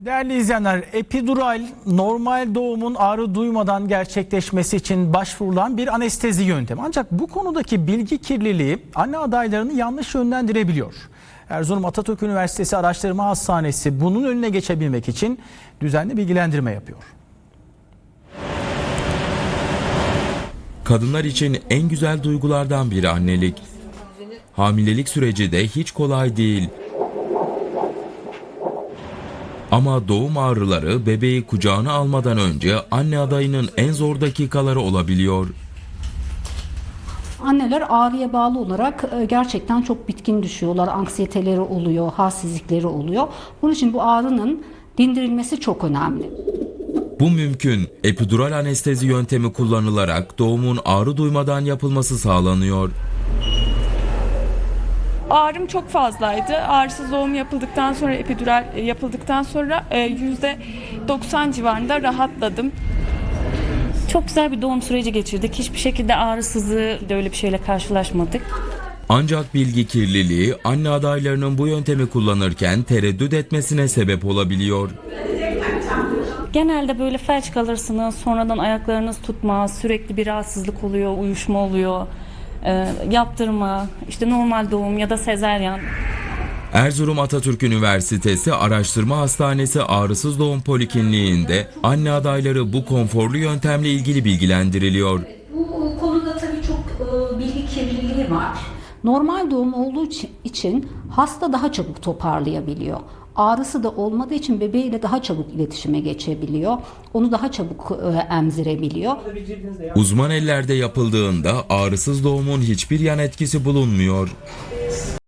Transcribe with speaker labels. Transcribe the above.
Speaker 1: Değerli izleyenler, epidural normal doğumun ağrı duymadan gerçekleşmesi için başvurulan bir anestezi yöntemi. Ancak bu konudaki bilgi kirliliği anne adaylarını yanlış yönlendirebiliyor. Erzurum Atatürk Üniversitesi Araştırma Hastanesi bunun önüne geçebilmek için düzenli bilgilendirme yapıyor.
Speaker 2: Kadınlar için en güzel duygulardan biri annelik. Hamilelik süreci de hiç kolay değil. Ama doğum ağrıları bebeği kucağına almadan önce anne adayının en zor dakikaları olabiliyor.
Speaker 3: Anneler ağrıya bağlı olarak gerçekten çok bitkin düşüyorlar. Anksiyeteleri oluyor, halsizlikleri oluyor. Bunun için bu ağrının dindirilmesi çok önemli.
Speaker 2: Bu mümkün. Epidural anestezi yöntemi kullanılarak doğumun ağrı duymadan yapılması sağlanıyor.
Speaker 4: Ağrım çok fazlaydı. Ağrısız doğum yapıldıktan sonra, epidural yapıldıktan sonra %90 civarında rahatladım.
Speaker 5: Çok güzel bir doğum süreci geçirdik. Hiçbir şekilde ağrısızlığı da öyle bir şeyle karşılaşmadık.
Speaker 2: Ancak bilgi kirliliği anne adaylarının bu yöntemi kullanırken tereddüt etmesine sebep olabiliyor.
Speaker 5: Genelde böyle felç kalırsınız, sonradan ayaklarınız tutmaz, sürekli bir rahatsızlık oluyor, uyuşma oluyor, yaptırma, işte normal doğum ya da sezaryen.
Speaker 2: Erzurum Atatürk Üniversitesi Araştırma Hastanesi Ağrısız Doğum Polikliniğinde anne adayları bu konforlu yöntemle ilgili bilgilendiriliyor.
Speaker 3: Bu konuda tabii çok bilgi kirliliği var. Normal doğum olduğu için hasta daha çabuk toparlayabiliyor. Ağrısı da olmadığı için bebeğiyle daha çabuk iletişime geçebiliyor. Onu daha çabuk emzirebiliyor.
Speaker 2: Uzman ellerde yapıldığında ağrısız doğumun hiçbir yan etkisi bulunmuyor.